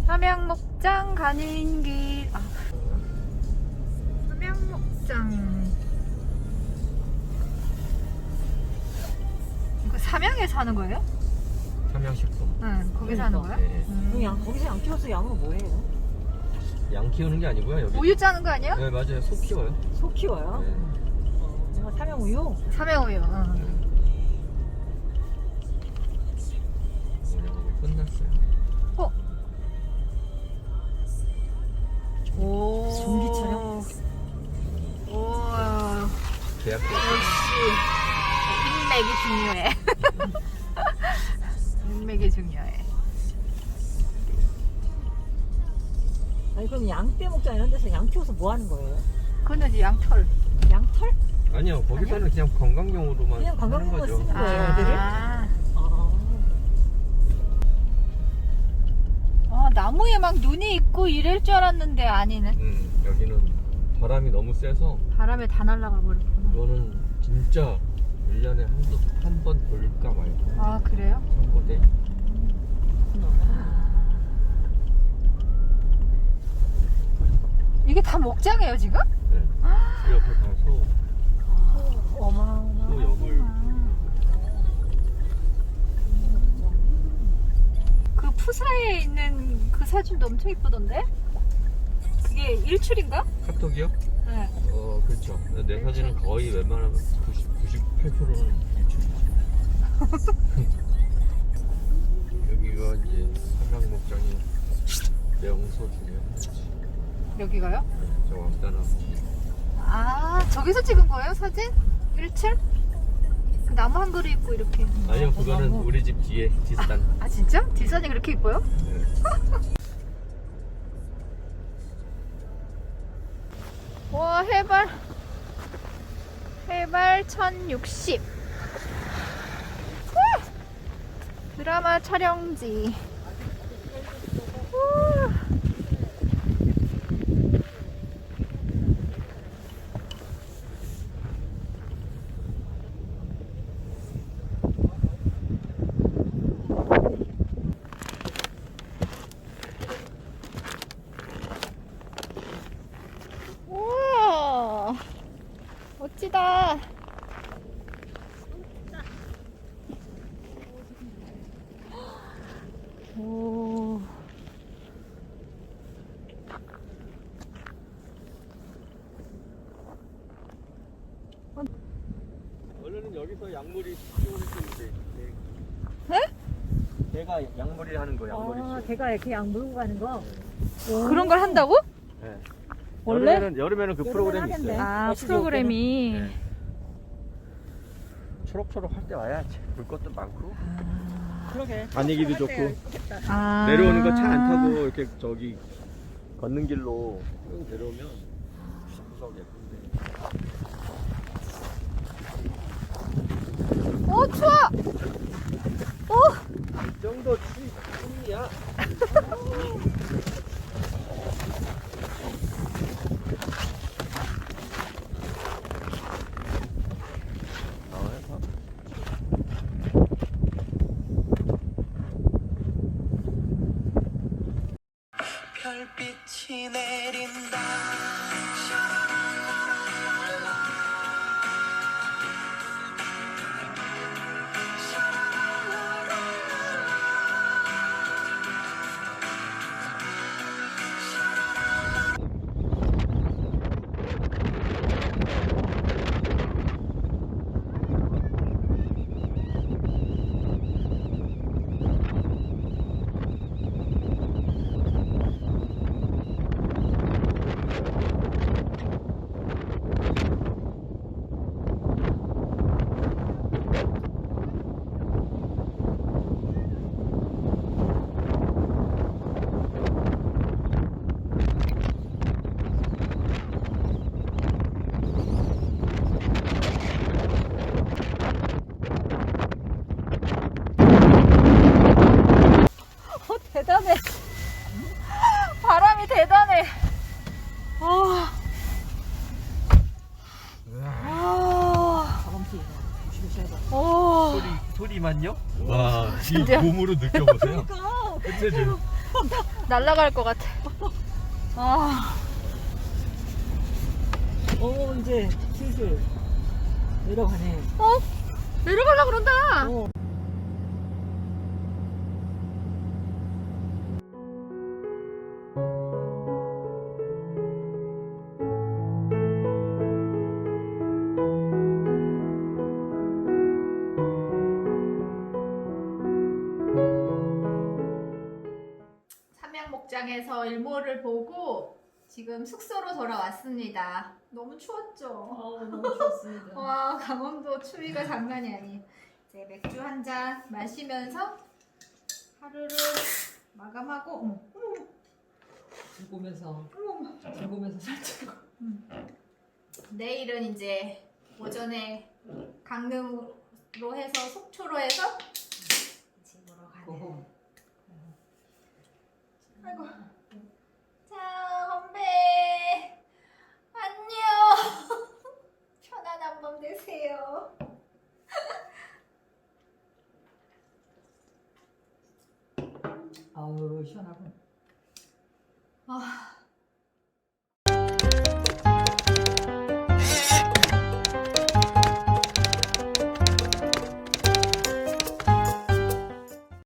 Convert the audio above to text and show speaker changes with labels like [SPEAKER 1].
[SPEAKER 1] 삼양목장 가는 길. 삼양목장. 이거 삼양에 사는 거예요?
[SPEAKER 2] 삼양식품.
[SPEAKER 1] 응, 거기 사는 거야?
[SPEAKER 2] 네.
[SPEAKER 3] 거기서 양 키워서 양은 뭐예요?
[SPEAKER 2] 양 키우는 게 아니고요. 여기.
[SPEAKER 1] 우유 짜는 거 아니야?
[SPEAKER 2] 네, 맞아요. 소 키워요.
[SPEAKER 3] 소 키워요?
[SPEAKER 2] 네.
[SPEAKER 3] 삼양 우유?
[SPEAKER 1] 삼양우유. 응.
[SPEAKER 2] 운영하고 끝났어요.
[SPEAKER 1] 오.
[SPEAKER 3] 전기 차량?
[SPEAKER 1] 오.
[SPEAKER 2] 계약도.
[SPEAKER 1] 역시 인맥이 중요해. 인맥이 중요해.
[SPEAKER 3] 아니 그럼 양떼 목장 이런 데서 양 키워서 뭐 하는 거예요?
[SPEAKER 1] 그거는 이제 양털.
[SPEAKER 3] 양털?
[SPEAKER 2] 아니요, 거기서는 그냥 관광용으로만
[SPEAKER 3] 그냥 관광용으로
[SPEAKER 2] 하는 거죠.
[SPEAKER 3] 쓰는 거예요, 애들을?
[SPEAKER 1] 나무에 막 눈이 있고 이럴 줄 알았는데 아니네.
[SPEAKER 2] 여기는 바람이 너무 세서
[SPEAKER 1] 바람에 다 날아가 버렸구나.
[SPEAKER 2] 이거는 진짜 1년에 한 번 볼까 말까.
[SPEAKER 1] 아, 그래요?
[SPEAKER 2] 선거대.
[SPEAKER 1] 이게 다 목장이에요 지금?
[SPEAKER 2] 네. 그 옆에 가서
[SPEAKER 1] 어마어마.
[SPEAKER 2] 소염을.
[SPEAKER 1] 그 푸사에 있는 그 사진도 엄청 이쁘던데? 그게 일출인가?
[SPEAKER 2] 카톡이요?
[SPEAKER 1] 네.
[SPEAKER 2] 그렇죠. 내 사진은 거의 웬만하면 98%는 유튜브죠. 여기가 이제 삼양목장이 명소 중에 하나지.
[SPEAKER 1] 여기가요?
[SPEAKER 2] 네, 저 왕따나무.
[SPEAKER 1] 아, 저기서 찍은 거예요 사진? 일출? 그 나무 한 그루 있고 이렇게.
[SPEAKER 2] 아니요, 그거는 우리 집 뒤에 뒷산.
[SPEAKER 1] 아 진짜? 뒷산이 그렇게 이뻐요?
[SPEAKER 2] 네.
[SPEAKER 1] 와, 해발 1060. 드라마 촬영지. 우와, 멋지다. 오.
[SPEAKER 2] 원래는 여기서 양물이 키우는데.
[SPEAKER 1] 네?
[SPEAKER 2] 걔가 양물이 하는 거, 양물이.
[SPEAKER 3] 걔가 이렇게 양 물고 가는 거?
[SPEAKER 1] 그런 걸 한다고?
[SPEAKER 2] 네.
[SPEAKER 1] 원래?
[SPEAKER 2] 여름에는 그 프로그램이
[SPEAKER 3] 하겠네.
[SPEAKER 2] 있어요.
[SPEAKER 1] 아,
[SPEAKER 3] 날씨
[SPEAKER 1] 프로그램이.
[SPEAKER 2] 네. 초록초록 할 때 와야지. 볼 것도 많고.
[SPEAKER 3] 그러게.
[SPEAKER 2] 분위기도 좋고.
[SPEAKER 1] 아.
[SPEAKER 2] 내려오는 거 차 안 타고 이렇게 저기 걷는 길로 쭉 내려오면 구석구석 예쁜데.
[SPEAKER 1] 오, 추워. 오.
[SPEAKER 2] 이 정도 추위야.
[SPEAKER 4] 별빛이 내린다.
[SPEAKER 1] 대단해. 바람이 대단해.
[SPEAKER 3] 바람피 조심하셔야 돼.
[SPEAKER 1] 오.
[SPEAKER 2] 소리만요? 와, 이
[SPEAKER 1] 진짜.
[SPEAKER 2] 몸으로 느껴보세요.
[SPEAKER 3] 그러니까
[SPEAKER 2] 끝내줘.
[SPEAKER 1] 날아갈 것 같아. 아,
[SPEAKER 3] 이제 슬슬 내려가네.
[SPEAKER 1] 내려가려고 그런다.
[SPEAKER 3] 어.
[SPEAKER 1] 삼양목장에서 일몰을 보고 지금 숙소로 돌아왔습니다. 너무 추웠죠?
[SPEAKER 3] 너무 좋습니다.
[SPEAKER 1] 와, 강원도 추위가 장난이 아니에요. 이제 맥주 한 잔 마시면서 하루를 마감하고
[SPEAKER 3] 즐거우면서 즐거우면서 살짝.
[SPEAKER 1] 내일은 이제 오전에 강릉으로 해서 속초로 해서 집으로 가는. 아이고. 자, 건배. 안녕. 편안한 밤 되세요.
[SPEAKER 3] 아우 시원하고.
[SPEAKER 1] 아,